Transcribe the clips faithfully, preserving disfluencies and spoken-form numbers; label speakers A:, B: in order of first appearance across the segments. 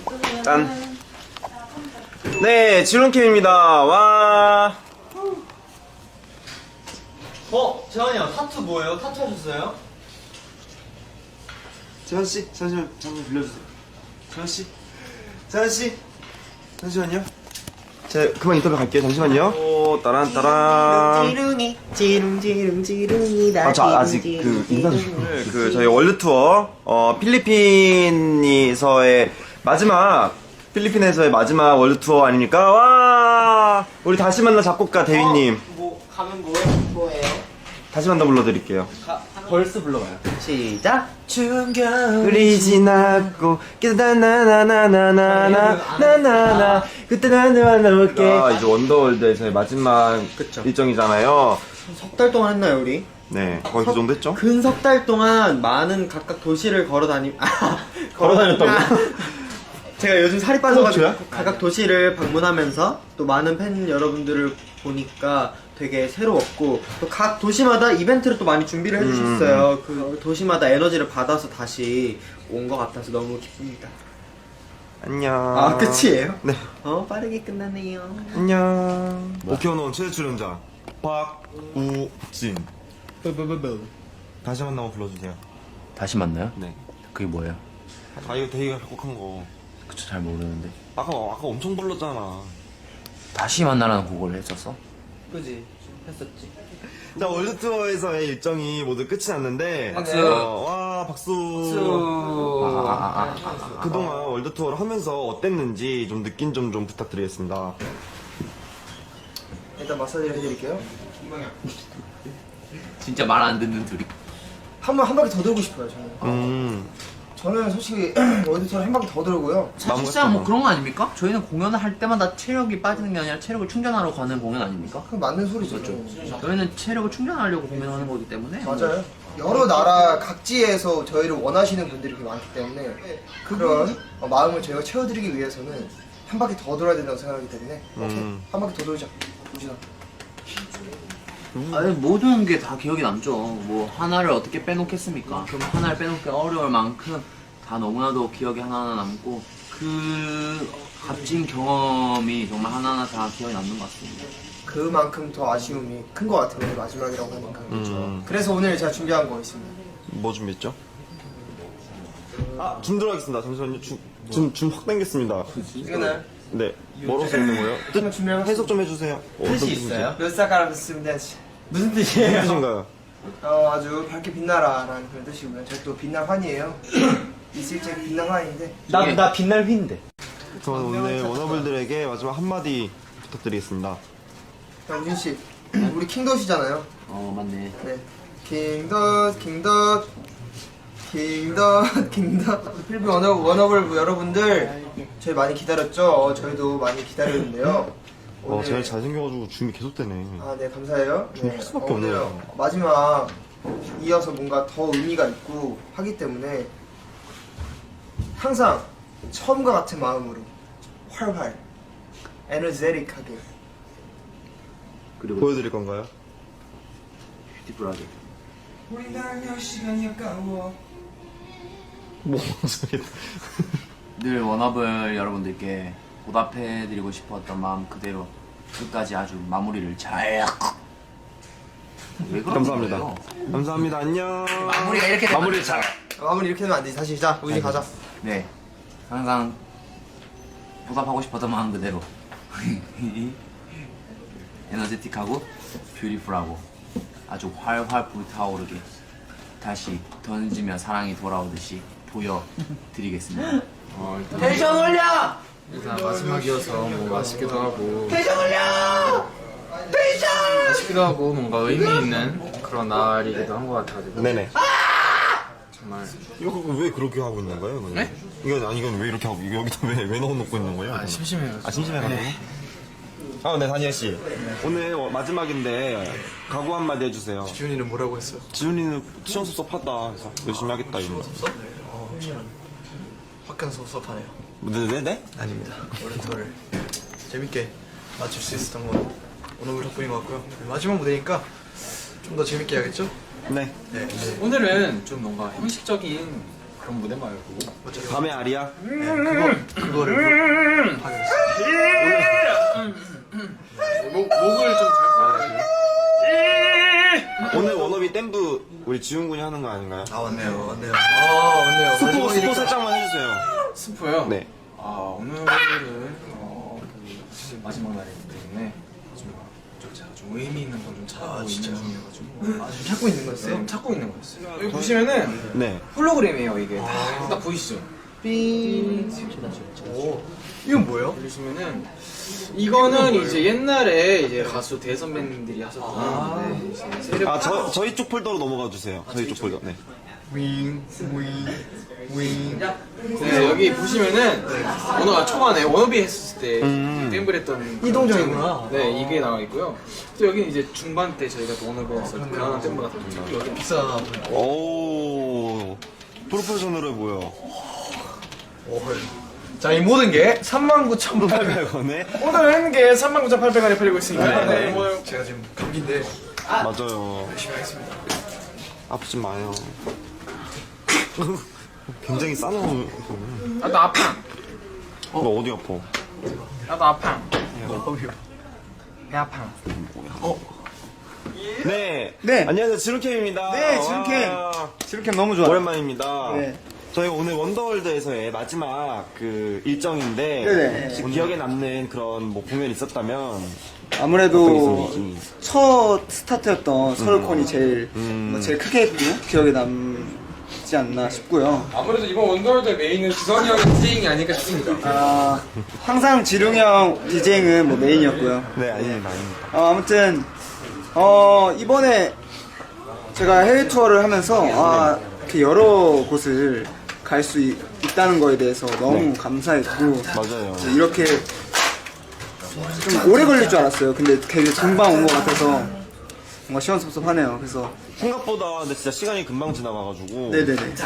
A: 짠. 네, 지론캠입니다. 와.
B: 어? 재환이 형 타투 뭐예요? 타투 하셨어요?
A: 재환씨, 잠시만, 잠깐 빌려주세요. 재환씨, 재환씨, 잠시만요. 제 그만 인터뷰 갈게요. 잠시만요. 오, 따란 따란.
C: 지룽이 지룽지룽지룽이다.
A: 아, 저 아직 그 인사 좀. 그 저희 월드 투어 어 필리핀에서의 마지막 필리핀에서의 마지막 월드 투어 아닙니까? 와, 우리 다시 만나 작곡가 대휘님.
B: 어, 뭐 가면 뭐예요?
C: 뭐예요?
A: 다시 만나 불러드릴게요.
B: 가, 벌스 불러봐요.
C: 시작.
A: 우리 지났고 나나나나나나나나나 그때 나한테 만나볼게. 아, 이제 원더월드에서의 마지막
B: 그쵸.
A: 일정이잖아요.
B: 석 달 동안 했나요 우리?
A: 네, 거의 그 정도 했죠?
B: 근 석 달 동안 많은 각각 도시를 걸어 다니
A: 걸어 다녔다고요?
B: 제가 요즘 살이 빠져가지고
A: 그렇죠?
B: 각각 도시를 방문하면서 또 많은 팬 여러분들을 보니까 되게 새로웠고 또 각 도시마다 이벤트를 또 많이 준비를 해주셨어요. 그 도시마다 에너지를 받아서 다시 온 것 같아서 너무 기쁩니다.
A: 안녕.
B: 아 끝이에요?
A: 네.
B: 어 빠르게 끝나네요.
A: 안녕. 오케오노 최대 출연자 박우진. 다시 만나고 불러주세요.
D: 다시 만나요?
A: 네.
D: 그게 뭐예요?
A: 아, 이거 대희가 작곡한 거.
D: 그쵸, 잘 모르는데.
A: 아까 아까 엄청 불렀잖아.
D: 다시 만나라는 곡을 했었어?
B: 그지 했었지.
A: 자, 월드 투어에서의 일정이 모두 끝이 났는데.
D: 박수.
A: 어, 와, 박수.
D: 아, 아, 아, 아, 아.
A: 그동안 월드 투어를 하면서 어땠는지 좀 느낀 점 좀 부탁드리겠습니다.
C: 일단 마사지를 해드릴게요.
D: 진짜 말 안 듣는 둘이.
C: 한 번 한 바퀴 더 돌고 싶어요 저는.
A: 음.
C: 저는 솔직히 월드투어를 한 바퀴 더 돌고요.
D: 사실상 뭐 그런 거 아닙니까? 저희는 공연을 할 때마다 체력이 빠지는 게 아니라 체력을 충전하러 가는 공연 아닙니까?
C: 그건 맞는 소리죠.
D: 저희는 체력을 충전하려고 공연하는 거기 때문에.
C: 맞아요. 여러 나라 각지에서 저희를 원하시는 분들이 많기 때문에 그런 어, 마음을 저희가 채워드리기 위해서는 한 바퀴 더 돌아야 된다고 생각하기 때문에 오케이
A: 음.
C: 한 바퀴 더 돌자. 우진아.
D: 아니, 모든 게 다 기억이 남죠. 뭐 하나를 어떻게 빼놓겠습니까? 그럼 하나를 빼놓기 어려울 만큼 다 너무나도 기억이 하나하나 남고 그 값진 경험이 정말 하나하나 다 기억이 남는 것 같습니다.
C: 그만큼 더 아쉬움이 큰 것 같아요. 오늘 마지막이라고 하니까.
A: 음.
C: 그래서 오늘 제가 준비한 거 있습니다.
A: 뭐 준비했죠? 아, 줌 들어가겠습니다. 잠시만요. 줌, 줌, 줌확 당겼습니다.
C: 이거는
A: 네. 뭐로 쓰는 거예요?
C: 한번 준비해봤어요.
A: 해석 좀 해주세요. 어떤
B: 뜻이
A: 뜻인지.
B: 있어요?
C: 몇 살가락 쓰면 되지.
B: 무슨
A: 무슨
B: 뜻이에요?
A: 뜻인가요?
C: 어, 아주 밝게 빛나라라는 그런 뜻이고요. 제가 또 빛날 환이에요. 있을 때 빛날 환인데.
B: 나, 나 빛날 휘인데.
A: 저는 오늘 워너블들에게 마지막 한마디 부탁드리겠습니다.
C: 자, 우진 씨, 우리 킹덧이잖아요.
D: 어, 맞네.
C: 네. 킹덧, 킹덧, 킹덧, 킹덧. 필리핀 워너, 워너블 여러분들, 저희 많이 기다렸죠? 어, 저희도 많이 기다렸는데요.
A: 어,
C: 오늘-
A: 제일 잘생겨가지고 줌이 계속되네.
C: 아, 네, 감사해요.
A: 좀 할 수밖에
C: 오늘
A: 없네요.
C: 마지막 이어서 뭔가 더 의미가 있고 하기 때문에 항상 처음과 같은 마음으로 활활, 에너제틱하게
D: 그리고
A: 보여드릴 건가요?
D: 뷰티풀하게.
C: 우리 날려 시간이 아까워.
A: 뭐, 소리.
D: 늘 워너블 여러분들께 보답해드리고 싶었던 마음 그대로 끝까지 아주 마무리를 잘. 왜 그러는
A: 감사합니다.
D: 거예요?
A: 감사합니다. 안녕.
D: 마무리가 이렇게 되면
A: 마무리 잘.
C: 마무리 이렇게 되면 안 되지. 다시 자, 우진 가자.
D: 네, 항상 보답하고 싶었던 마음 그대로 에너제틱하고 뷰티풀하고 아주 활활 불타오르게 다시 던지며 사랑이 돌아오듯이 보여드리겠습니다. 텐션 올려!
E: 일단 마지막이어서 뭐 아쉽기도 하고
D: 텐션 올려! 텐션!
E: 아쉽기도 하고 뭔가 의미 있는 그런 날이기도 한 것 같아가지고
A: 네네.
E: 정말
A: 이거 왜 그렇게 하고 있는 거예요? 이거는?
E: 네?
A: 이건 아니 이건 왜 이렇게 하고 이거 여기다 왜 왜 넣어놓고 있는 거예요?
E: 아, 심심해요.
A: 아 심심해가지고. 아, 네, 다니엘 씨. 오늘 어, 마지막인데 각오 한마디 해주세요.
E: 지훈이는 뭐라고 했어요?
A: 지훈이는 시험 섭섭하다. 그래서 열심히 하겠다 이런.
E: 확연 섭섭하네요.
A: 네네네. 네?
E: 아닙니다. 월드투어를 재밌게 마칠 수 있었던 건 오늘 덕분인 것 같고요. 마지막 무대니까 좀 더 재밌게 해야겠죠?
A: 네.
E: 네. 오늘은 좀 뭔가 형식적인 그런 무대 말고
A: 밤의 아리야.
E: 네, 그거 그거를 하겠습니다.
F: 목, 목을 좀 잘.
A: 오늘 원업이 댐브 우리 지훈 군이 하는 거 아닌가요?
E: 아 맞네요, 맞네요. 아 맞네요.
A: 스포, 스포
E: 마지막이니까.
A: 살짝만 해주세요.
F: 스포요?
A: 네.
F: 아, 오늘은, 어, 그, 사실 마지막 날이기 때문에, 좀, 좀 제가 좀 의미 있는 걸 좀 찾고
E: 아,
F: 있는
E: 진짜요?
F: 중이어가지고.
E: 아 지금 찾고 있는 거였어요?
F: 네, 찾고 있는 거였어요. 여기 보시면은,
A: 네.
F: 홀로그램이에요, 이게. 다, 딱 보이시죠? 삥.
E: 오, 이건 뭐예요?
F: 보시면은, 이거는 이제 옛날에 이제 가수 대선배님들이 하셨던, 네, 이제 세력.
A: 아, 저, 저희 쪽 폴더로 넘어가 주세요. 저희 쪽 폴더. 네.
E: 윙, 윙, 윙.
F: 네, 여기 보시면은 오늘 초반에 워너비 했을 때
A: 음.
F: 댐블 했던
E: 이동적이구나.
F: 네, 이게 나와 있고요. 또 여기는 이제 중반 때 저희가 또 워너비 했을 때 그런 댐블 같은 거 여기
E: 비싸.
A: 오. 프로페셔널해 보여.
E: 오, 자, 이 모든 게 삼만 구천팔백 원.
A: 팔백 원에?
F: 오늘 한 게 삼만 구천팔백 원에 팔리고 있으니까
A: 네.
F: 뭐
E: 제가 지금 감기인데
A: 맞아요.
E: 열심히 하겠습니다.
A: 아프지 마요. 굉장히 싸놓은.
F: 나도 아파.
A: 너 어디 아파?
F: 나도 아파.
E: 어휴.
F: 배 아파.
A: 네.
C: 네.
A: 안녕하세요. 지루캠입니다.
C: 네, 지루캠.
A: 와,
C: 지루캠 너무 좋아요.
A: 오랜만입니다.
C: 네.
A: 저희가 오늘 원더월드에서의 마지막 그 일정인데
C: 네네.
A: 혹시 기억에 남는 그런 뭐 공연이 있었다면
C: 아무래도
A: 어떤 게 있었는지.
C: 첫 스타트였던 서울콘이 제일
A: 음.
C: 뭐 제일 크게 했고 기억에 남지 않나 싶고요.
F: 아무래도 이번 원더월드 메인은 지선이 형의 디제잉이 아닐까 싶습니다.
C: 아, 항상 지룡이 형 디제잉은 뭐 메인이었고요.
A: 네, 아닙니다. 아닙니다.
C: 어, 아무튼 어, 이번에 제가 해외 투어를 하면서 아, 이렇게 여러 곳을 갈 수 있다는 거에 대해서 너무
A: 네.
C: 감사했고
A: 맞아요.
C: 이렇게 좀 오래 걸릴 줄 알았어요. 근데 되게 금방 온 것 같아서 뭔가 시원섭섭하네요. 그래서
A: 생각보다 근데 진짜 시간이 금방 지나가가지고
C: 네네네.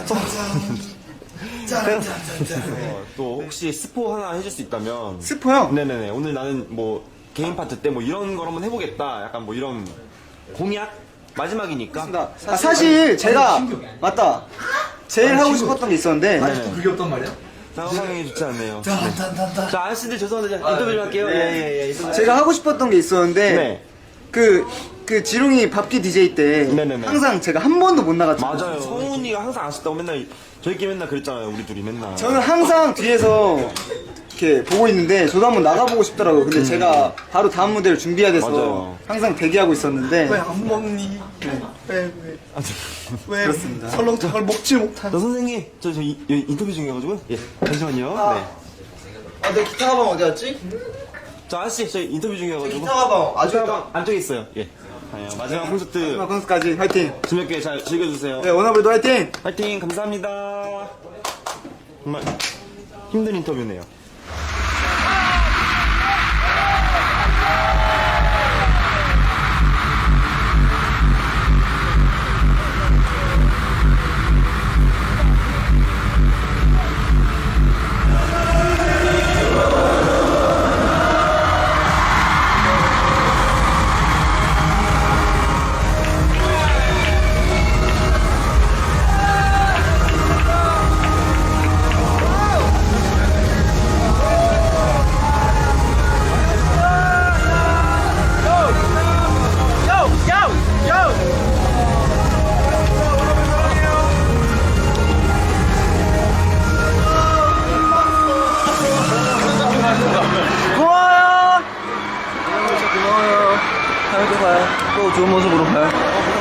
A: 어, 또 혹시 스포 하나 해줄 수 있다면
C: 스포요?
A: 네네네. 오늘 나는 뭐 개인 파트 때 뭐 이런 걸 한번 해보겠다. 약간 뭐 이런 공약? 마지막이니까.
C: 아, 사실 제가 맞다. 제일 하고 싶었던 게 있었는데
A: 네.
E: 그게 없단 말이야?
A: 상황이 좋지 않네요. 네. 자, 아저씨들 죄송한데 자, 인터뷰 좀 할게요. 예예예. 예, 예.
C: 제가 하고 싶었던 게 있었는데
A: 네.
C: 그, 그 지룡이 밥기 디제이 때
A: 네네네.
C: 항상 제가 한 번도 못 나갔잖아요.
A: 맞아요. 성훈이가 항상 아쉽다고 맨날 저희끼리 맨날 그랬잖아요. 우리 둘이 맨날.
C: 저는 항상 뒤에서 이렇게 보고 있는데 저도 한번 나가보고 싶더라고요. 근데 제가 바로 다음 무대를 준비해야 돼서
A: 음. 맞아요.
C: 항상 대기하고 있었는데
E: 왜 안 먹니? 왜, 왜,
A: 아, 저,
E: 왜
C: 그렇습니다.
E: 설렁탕을 먹지 못한?
A: 저 선생님, 저, 저 이, 이- 인터뷰 중이어가지고. 예. 잠시만요.
C: 아.
A: 네.
C: 아, 내 기타 가방 어디 갔지?
A: 저 아저씨, 저 인터뷰 중이어가지고.
C: 기타 가방 아주
A: 가방 안쪽에 있어요. 예. 아, 마지막 콘서트
C: 마지막 콘서트까지 화이팅!
A: 재밌게 잘 즐겨주세요.
C: 네, 워너블도 화이팅!
A: 파이팅 감사합니다. 정말 힘든 인터뷰네요.
C: 고마워요! 고마워요. 다음에 또 봐요. 또 좋은 모습으로 봐요.